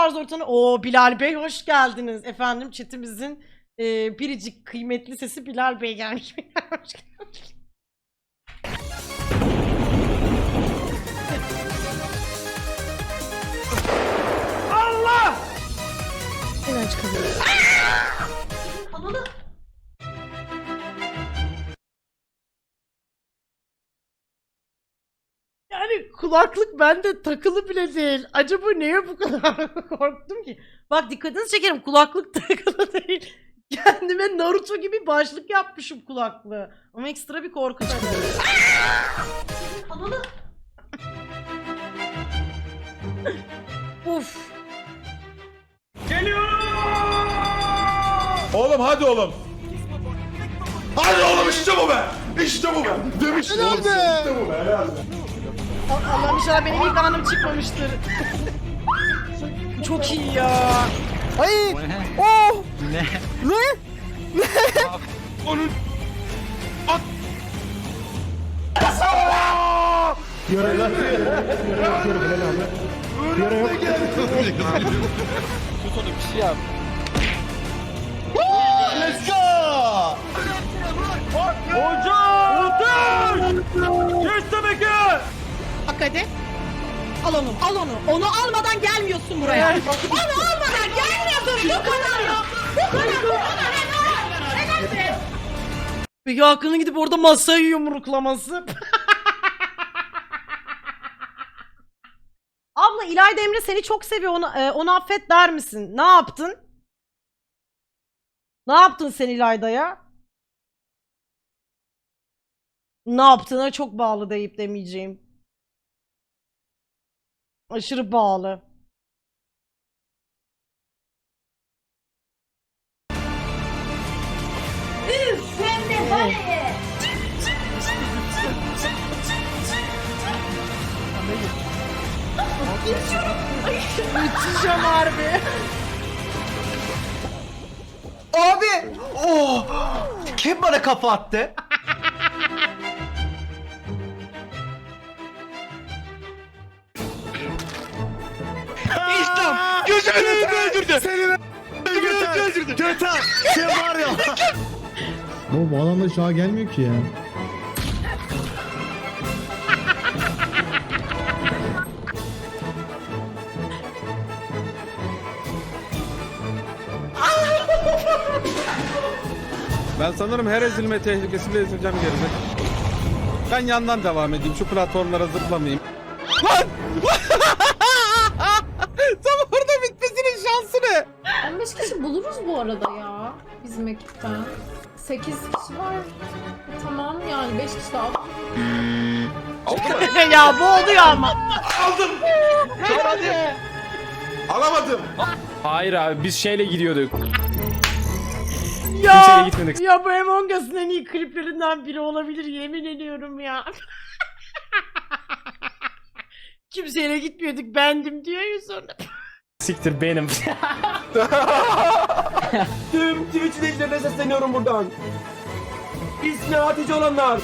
tarz ortamda... Oo, Bilal Bey hoş geldiniz. Efendim chatimizin biricik kıymetli sesi Bilal Bey gelmiş. Hoş geldiniz. Allah! Neden çıkamıyorum? Ananı... Yani kulaklık bende takılı bile değil. Acaba neye bu kadar korktum ki? Bak dikkatinizi çekerim, kulaklık takılı değil. Kendime Naruto gibi başlık yapmışım kulaklığı. Ama ekstra bir korku da. Ananı... Uf. Geliyorum! Oğlum hadi oğlum. Hadi oğlum işte bu be. İşte bu be. Demiştim oğlum. İşte bu be. Helal be. Allah'ım inşallah benim ilk anım çıkmamıştır. Çok iyi ya. Hayır. Oh. Ne? Ne? Onun... At! Yöre lan. Yöre yok. Tut onu bir şey yap. Let's go. Hocam! Geç demek ki! Bak hadi. Al onu, al onu. Onu almadan gelmiyorsun buraya. Onu almadan gelmiyorsun. Bu kadar ya. Bu kadar. Peki Hakan'ın gidip orada masayı yumruklaması. Abla İlayda Emre seni çok seviyor. Onu affet der misin? Ne yaptın? Ne yaptın sen İlayda'ya? Ne yaptığına çok bağlı deyip demeyeceğim. Aşırı bağlı. Geçeceğim harbi. Abi. Oh. Kim bana kafa attı? İslam! Gözümün önünde öldürdü! Seni Öldürdü! Göter. Sen var ya. Bu adamlar şu an gelmiyor ki ya. Ben sanırım her ezilme tehlikesiyle ezileceğim geride. Ben yandan devam edeyim. Şu platformlara zıplamayayım. Lan! Tam orada bitmesinin şansı ne? 15 kişi buluruz bu arada ya bizim ekipten. 8 kişi var. Tamam yani 5 kişi daha. Ya bu oluyor ama. Aldım! Hadi! Alamadım! Hayır abi biz şeyle gidiyorduk. Ya, Kimseyle gitmedik. ya bu Among Us'ın en iyi kliplerinden biri olabilir, yemin ediyorum ya. Kimseyle gitmiyorduk, bendim diyor ya sonra. Siktir benim. Tüm Twitch izleyicilerine sesleniyorum buradan. İsmi Hatice olanlar.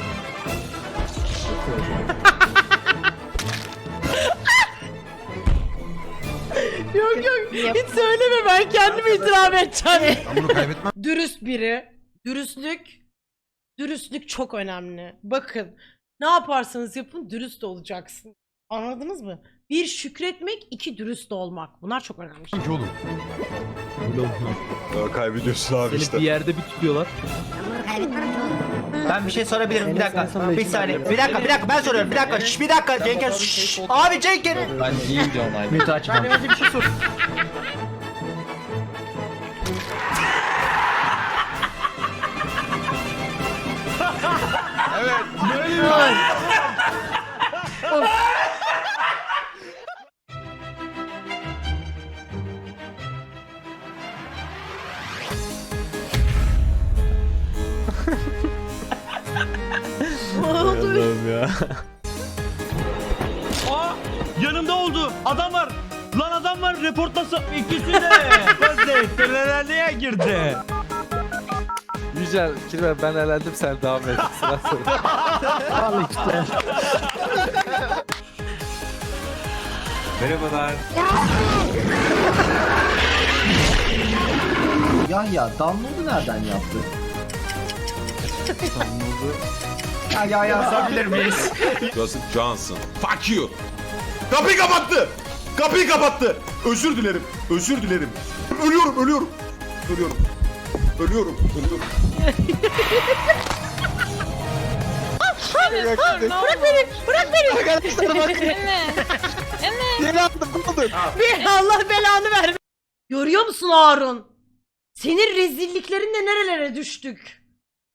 Yok hiç söyleme, ben kendimi itiraf edeceğim. Bunu kaybetmem. Dürüst biri. Dürüstlük çok önemli. Bakın, ne yaparsanız yapın dürüst olacaksın. Anladınız mı? Bir, şükretmek, iki, dürüst olmak. Bunlar çok önemli. Oğlum. Kaybediyorsun abi işte. Bir yerde bir tutuyorlar. Ben bir şey sorabilirim. Bir dakika. Bir saniye. Bir dakika. Ben soruyorum. Bir dakika. Bir dakika. Cenker. Abi Cenker. Ben iyi gidiyorum aynı. Mütü açmam. Ben önce bir şey sor. Ne oldu? Ya. Yanımda oldu. Adam var. Lan adam var. Reportlasın. İkisi de. Gözde. Nereye girdi? Yücel, Kirve ben elendim sen devam et. Sıra sıra. Al işte. Merhabalar. Yahya download'u nereden yaptı? Ya yazabilir miyiz? Gossip Johnson. Fuck you. Kapıyı kapattı. Kapıyı kapattı. Özür dilerim. Özür dilerim. Ölüyorum, ölüyorum. Ölüyorum. Ölüyorum, ölüyorum. Bırak beni. Bırak beni. Arkadaşlar bak. Yeni aldım buldum. Bir Allah belanı ver. Görüyor musun Harun? Senin rezilliklerinle nerelere düştük?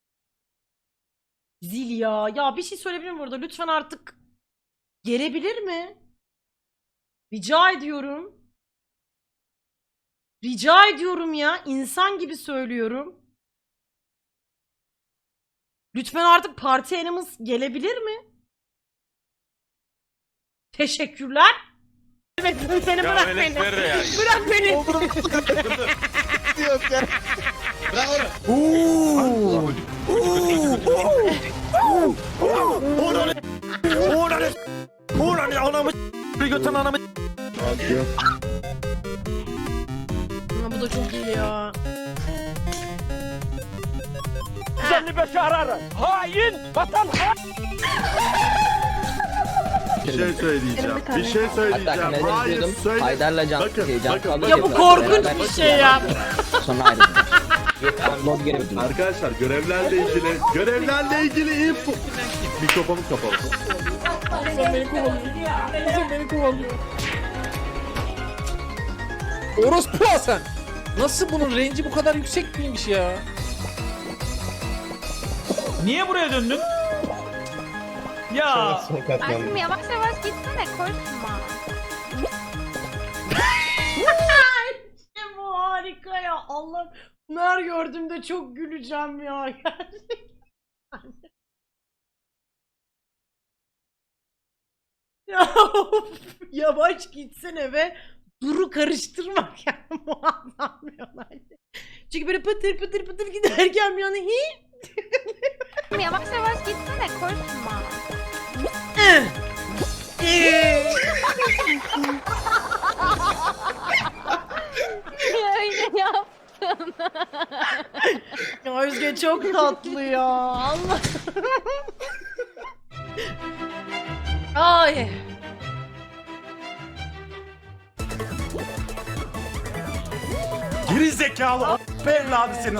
Zil ya. Ya bir şey söyleyebilir miyim burada? Lütfen artık gelebilir mi? Rica ediyorum. Rica ediyorum ya. İnsan gibi söylüyorum. Lütfen artık parti animals gelebilir mi? Teşekkürler. Evet, seni bırak beni. Bırak beni. Ama bu da çok iyi ya. Bir şey söyleyeceğim. Bir şey söyleyeceğim. Hayır söyle. Haydar'la Can Bakın, Can bakın. kavga Ya bu ediyorlar. korkunç Beraber bir şey ya. Sonra ayrıldılar. Download geri bitirdim. Arkadaşlar görevlerle ilgili info. Mikrofonum kapalı. Orospu Hasan. Nasıl bunun range'i bu kadar yüksek miymiş ya? Niye buraya döndün? Ya Aşkım yavaş yavaş gitsene koşma. İşte bu harika ya. Allah. Bunlar gördüğümde çok güleceğim ya. Gerçekten. Ya of, yavaş gitsene ve duru karıştırmak yani muazzam bir olay. Çünkü böyle pıtır pıtır pıtır giderken bir yana Yavaş yavaş gitsene koşma. Öyle yap. Ya Özge çok tatlı ya. Allah. Ay. Geri zekalı be evladı senin.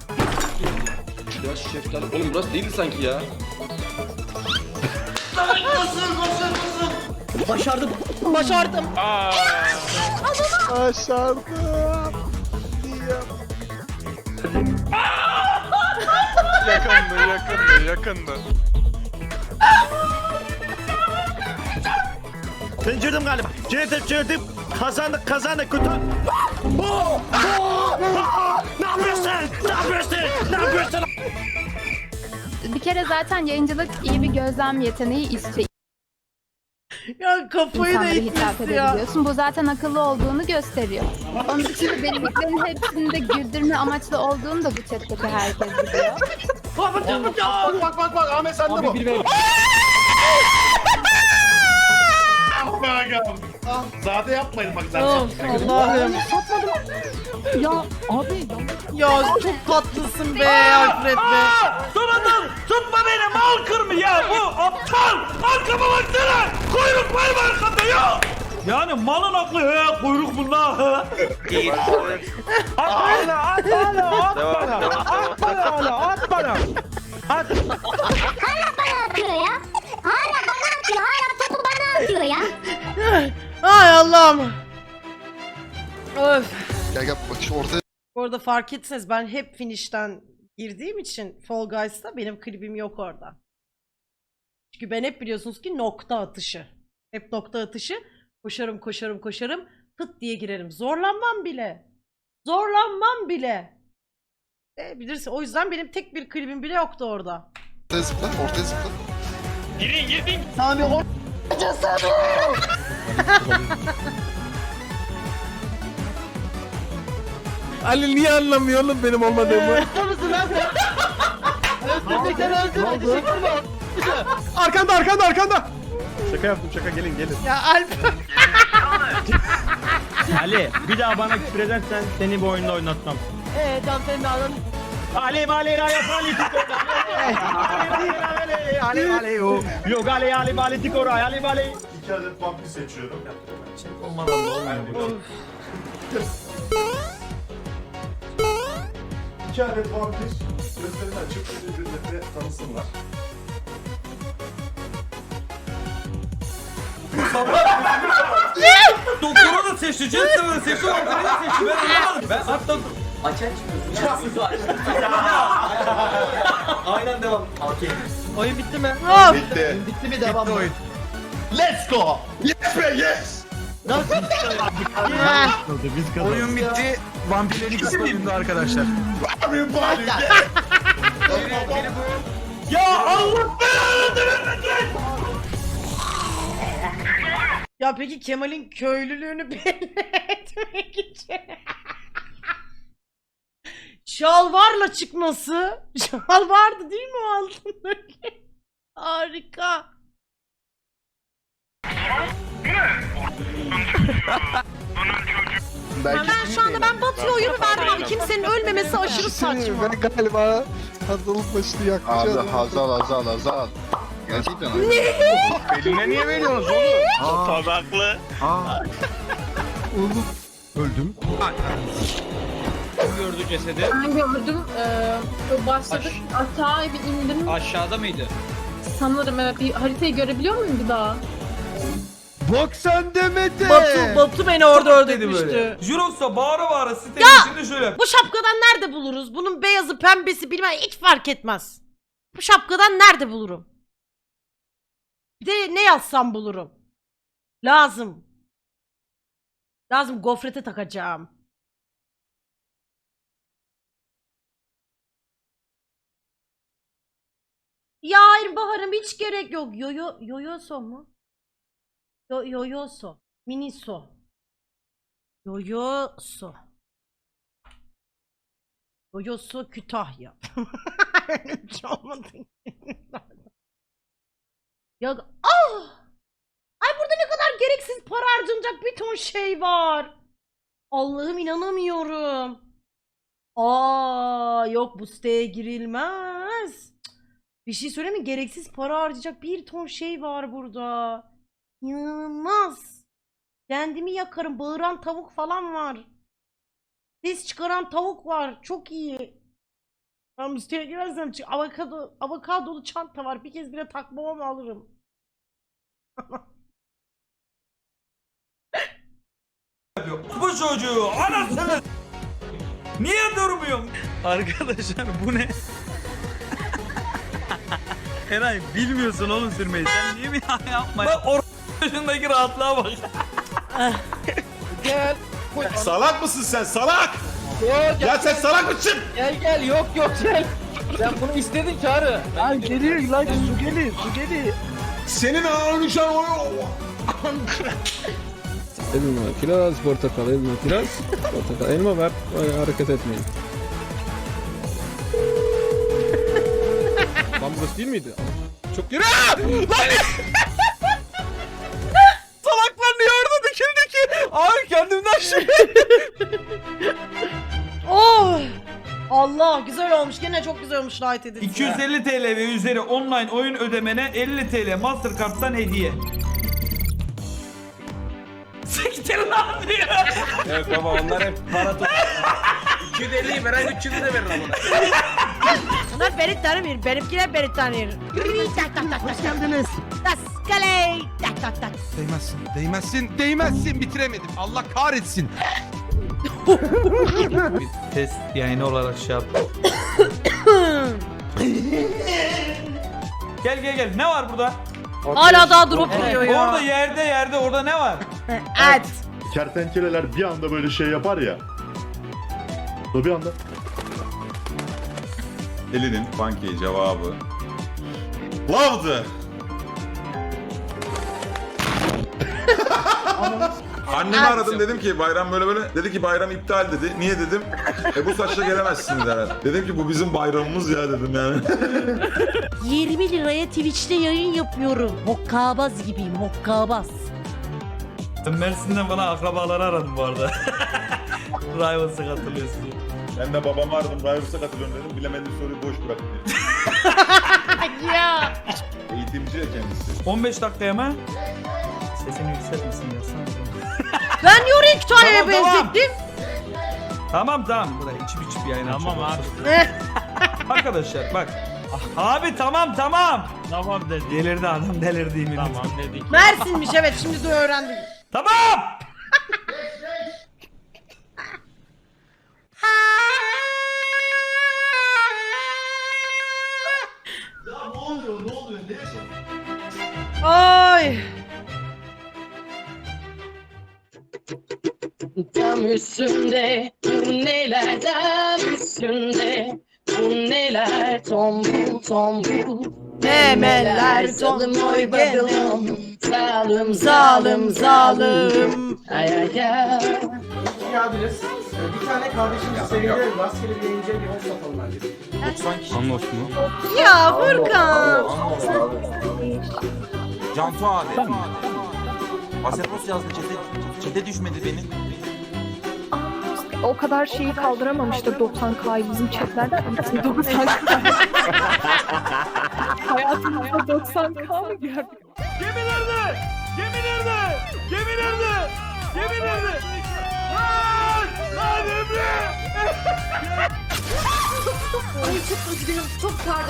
Ya şeftali. Oğlum burası değildi sanki ya. Başardım. Başardım. Başardım. Yakındı. Pencerdim galiba. Çevirdim. Kazandık. Kötü. Ne yapıyorsun? Bir kere zaten yayıncılık iyi bir gözlem yeteneği istiyor. Ya kafayı da İnsanlara hitap itmişti ya. edebiliyorsun. Bu zaten akıllı olduğunu gösteriyor. Onun dışında dediklerin hepsinde güldürme amaçlı olduğunu da bu chatteki herkes biliyor. Bak Ahmet sen de bu. Zade yapmayın bak zaten. Of Allah'ım. Ya abi Ya çok tatlısın be Alfred be. Sonradan tutma beni mal kırmı ya bu aptal. Arkama baksana. Kuyruk var mı arkamda ya? Yani malın aklı he kuyruk bunda he. At bana. Ay Allah'ım. Öf. Gel bak şu ortaya. Bu arada fark etseniz ben hep finish'ten girdiğim için Fall Guys'ta benim klibim yok orada. Çünkü ben hep biliyorsunuz ki nokta atışı. Hep nokta atışı. Koşarım. Pıt diye girerim. Zorlanmam bile. Bilirsin. O yüzden benim tek bir klibim bile yoktu orada. Ortaya zıpla. Sami o... Ali niye anlamıyor oğlum benim olmadığımı? Arkanda. Şaka yaptım gelin. Ya Alp. Ali bir daha bana küfür edersen seni bu oyunda oynatmam. Can Fena'nın Ali mali raya politiko. Ali mali o. Yo gali ali mali tiko raya ali mali. 2 adet vampir seçiyorum. Olmadan da olmuyor. 2 adet vampir gözlerini açıp birbirlerine tanısınlar. Doktora da seçti, Jensen'ı da seçti, Walter'ı da seçti. Ben anlamadım. Ben hatta... Aynen devam. Okey. Oyun bitti mi? Bitti. Bitti mi devam oyun? Let's go. Yes be yes. Oyun bitti. Vampirlerin ikisi oyunda arkadaşlar. Everybody get. Ya Allah belanı vermesin! Ya peki Kemal'in köylülüğünü belli etmek için şalvarla çıkması, şal vardı değil mi o altındaki? Harika. Ben şu anda Batı'ya oyunu verdim abi. Kimsenin ölmemesi aşırı saçma. Ben galiba hazırlık başını yakacağım. Abi Hazal. Gerçekten abi. Eline niye veriyorsunuz oğlum? Tadaklı. Öldüm. Gördü cesedi. Ben gördüm. Başladık. Aşağıya bir indim. Aşağıda mıydı? Sanırım evet. Bir haritayı görebiliyor muyum bir daha? Bok sen demedi. Batu beni orada Dedi öldürmüştü. böyle. Jirox'a bağıra bağıra sitenin içinde şöyle. Bu şapkadan nerede buluruz? Bunun beyazı pembesi bilmem hiç fark etmez. Bu şapkadan nerede bulurum? Bir de ne yazsam bulurum. Lazım. Gofrete takacağım. Ya hayır Bahar'ım hiç gerek yok. Yoyoso mu? Yoyoso. Miniso. Yoyoso. Yoyoso Kütahya. Öyle bir şey olmadı. Ya Ay burada ne kadar gereksiz para harcanacak bir ton şey var. Allah'ım inanamıyorum. Yok bu siteye girilmez. Cık. Bir şey söyleyeyim mi? Gereksiz para harcayacak bir ton şey var burada. İnanılmaz. Kendimi yakarım. Bağıran tavuk falan var. Ses çıkaran tavuk var. Çok iyi. Ben bu siteye girersem avokadolu çanta var. Bir kez bile takmama mı alırım? Bu çocuğu anasını... Niye durmuyorsun? Arkadaşlar bu ne? Eray bilmiyorsun oğlum sürmeyi. Sen niye mi yapma? Bak yaşındaki rahatlığa bak. Gel. Salak mısın sen salak? Ya sen salak mısın? Gel yok gel. Sen bunu istedin Çağrı. Lan geliyor lan su geliyor. Senin ağırını şu an o... Elma, kiraz, portakal, elma, kiraz, portakal, elma ver, hareket etmeyin. Lan burası değil miydi? Çok yürü! Lan! Salaklar niye orada dikildi ki? Abi kendimden şey. Oh! Allah güzel olmuş. Gene çok güzel olmuş light edit. 250 TL ve üzeri online oyun ödemene 50 TL Mastercard'dan hediye. Siktir lan diyor. Evet baba onlar hep para tut. 250'yi veren 300'ü de verir ama. Bunlar beni tanımıyor. Benimkiler beni tanıyor. Hoş geldiniz. Taskale. Tak. Değmezsin, bitiremedim. Allah kahretsin. Test yayını olarak şey yap. Gel. Ne var burada? Hala daha drop vuruyor ya. Orada yerde orada ne var? Evet. Kertenkeleler bir anda böyle şey yapar ya. O bir anda. Elinin banki cevabı. Love'dı. Annemi aradım dedim ki bayram böyle. Dedi ki bayram iptal dedi. Niye dedim. Bu saçla gelemezsiniz herhalde. Dedim ki bu bizim bayramımız ya dedim yani. 20 liraya Twitch'te yayın yapıyorum. Hokkabaz gibiyim, hokkabaz. Ben Mersin'den bana akrabaları aradım bu arada. Rivals'a katılıyorsun diye. Ben de babamı aradım. Rivals'a katılıyorum dedim. Bilemediğim soruyu boş bıraktım. Ya. Eğitimci ya kendisi. 15 dakikaya mı? Sesini yükseltmesin dersen. Ben niye oraya kütüphaneye Tamam, tamam. benzettim? Tamam. Buraya içip yayın Tamam açalım. abi. Arkadaşlar bak. Abi tamam. Tamam dedi. Delirdi adam delirdi yemin ederim. Tamam dedik. Mersin'miş evet şimdi de öğrendim. Tamam. Ay. Tam üstünde bu neler tam üstünde bu neler tombul tombul Memeler zalim oy bakalım zalim zalim zalim. ay ay ay. Geldiniz. Bir tane kardeşimiz seviyelim. Rastgele bir yayıncıya bir host atalım bence. Anlos mu? Ya Furkan. Cantu abi. Aseros yazdı çete düşmedi benim. O kadar şeyi kaldıramamıştır 90K'yı bizim chatler. 90K. Hayatımızda 90K mı gördük? Gemi nerede? Lan Emre! Ay çok üzgünüm. Çok pardon.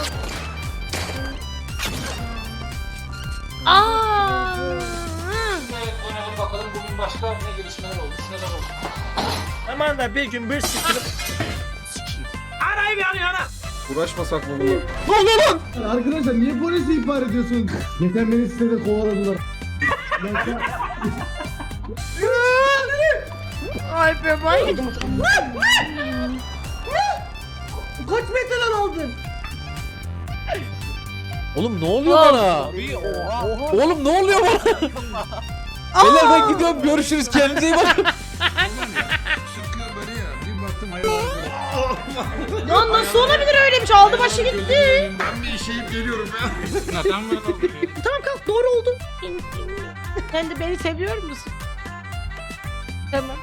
Aa. Bakalım bugün başka ne gelişmeler oldu. Neler oldu? Aman da bir gün bir sıkılıp Arayı bir yana. Uğraşmasak mı bunu? Arkadaşlar niye polisi ihbar ediyorsunuz? Geçen beni sitede kovaladılar. Ay be bay. Kaç metreden aldın? Oğlum ne oluyor bana? Oğlum ne oluyor bana? Beyler ben gidiyorum görüşürüz kendinize iyi bakın. Lan nasıl olabilir öyle bir şey? Aldı başı gitti. Ben bir işeyip geliyorum ya. Tamam kalk doğru oldu. Sen de beni seviyor musun? Tamam.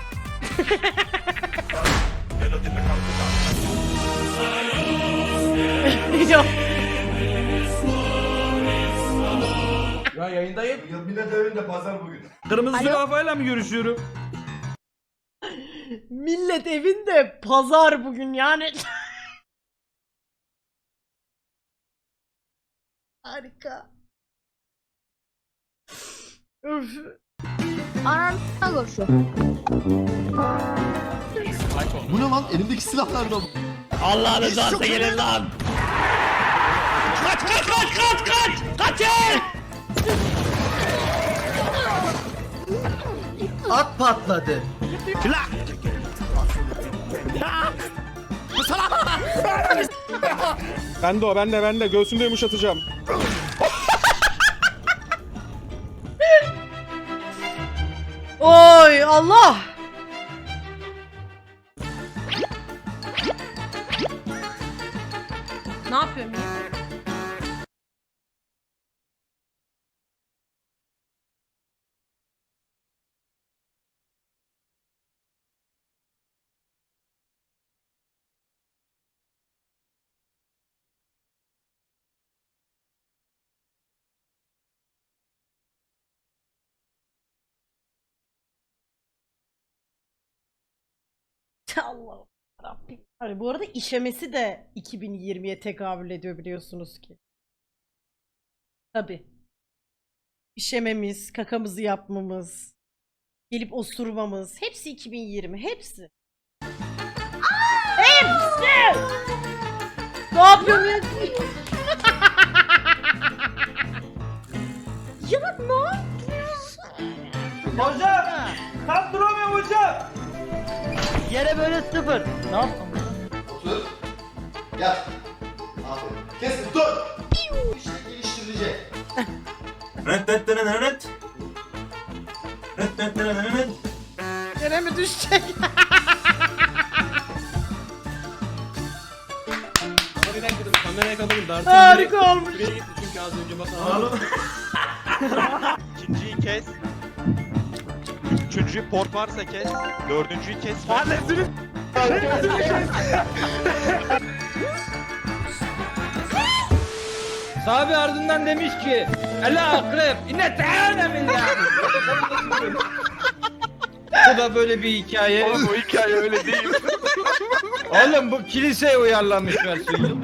Yok. Ya yayındayım. Millet evinde pazar bugün. Kırmızı Alo? kafayla mı görüşüyorum? Millet evinde pazar bugün yani. Harika. Öf. Bu ne lan? Elimdeki silahlar da. Allah'ın rızası gelin lan. At patladı. Ben de göğsünde yumuşatacağım. Oy Allah. Ne yapıyorum ya? Allah'ım Rabbim. Hani bu arada işemesi de 2020'ye tekabül ediyor biliyorsunuz ki. Tabii. İşememiz, kakamızı yapmamız, gelip osurmamız, hepsi 2020, hepsi. Hepsi! Ne yapıyorum ya? Ya ne yapıyorsun? Hocam! Tam duramıyorum hocam! Yere böyle sıfır. Ne yaptın? Otur. Yat. Aferin. Kes dur. İşte geliştirilecek. Yere mi düşecek? Kameraya kadar dartın. Harika olmuş. Çünkü az önce bak. İkinciyi kes. Üçüncü port varsa kes. Dördüncüyü kes. Sahabe ardından demiş ki Ela akrep inne teâne min ya. Bu da böyle bir hikaye. Oğlum o hikaye öyle değil. Oğlum bu kiliseye uyarlanmış versiyonu.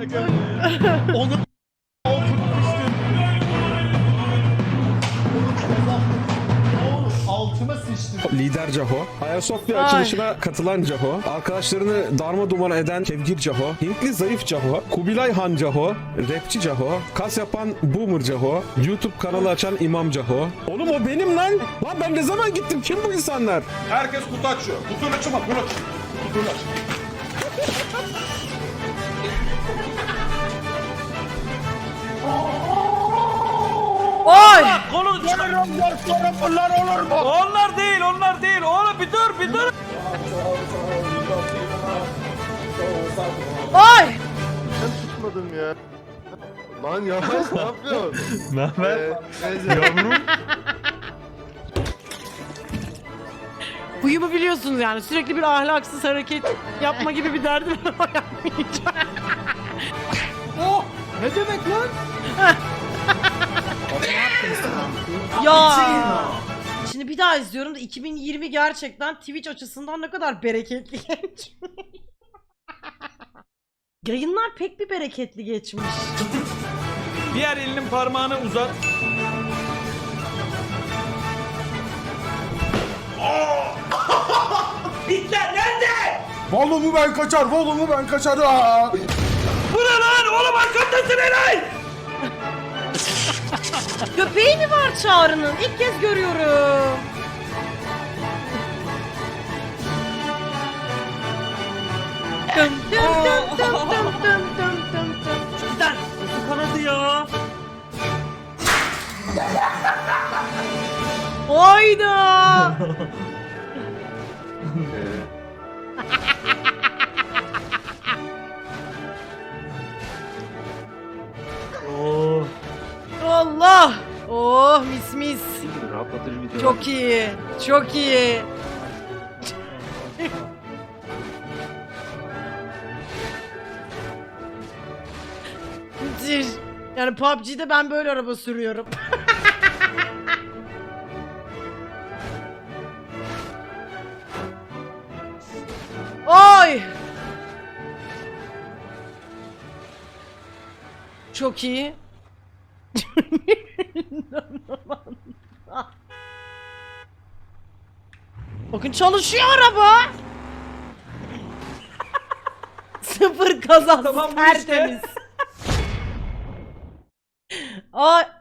Altıma sıçtım. Lider Caho, Ayasofya açılışına katılan Caho, arkadaşlarını darma duman eden Kevgir Caho, Hintli zayıf Caho, Kubilay Han Caho, rapçi Caho, kas yapan Boomer Caho, YouTube kanalı açan İmam Caho. Oğlum o benim lan! Lan ben ne zaman gittim? Kim bu insanlar? Herkes kutu açıyor. Kutuyu açma. Bunu aç. Kutuyu aç. Oy! Kolu bunlar olur mu? Onlar değil, onlar değil. Oğlum bir dur, bir dur. Oy! Tutmadım ya. Lan yavaş ne yapıyorsun? Ne haber? Yavrum. Huyumu biliyorsunuz yani sürekli bir ahlaksız hareket yapma gibi bir derdim var ama yapmayacağım. Oh! Ne demek lan? Ya. Şimdi bir daha izliyorum da 2020 gerçekten Twitch açısından ne kadar bereketli geçmiş. Yayınlar pek bir bereketli geçmiş. Diğer elinin parmağını uzat. Hitler nerede? Volumu ben kaçar. Volumu ben kaçar. Bu ne lan? Oğlum arkamdasın Eray. Köpeği mi var Çağrı'nın? İlk kez görüyorum. Dın dın dın dın dın dın dın dın dın. Lan nasıl kanadı ya? Hayda. Allah. Oh mis mis. Çok iyi. Çok iyi. Müthiş. Yani PUBG'de ben böyle araba sürüyorum. Oy! Çok iyi. Bakın çalışıyor araba. Sıfır kazası Tamam, bu işte. tertemiz. Ay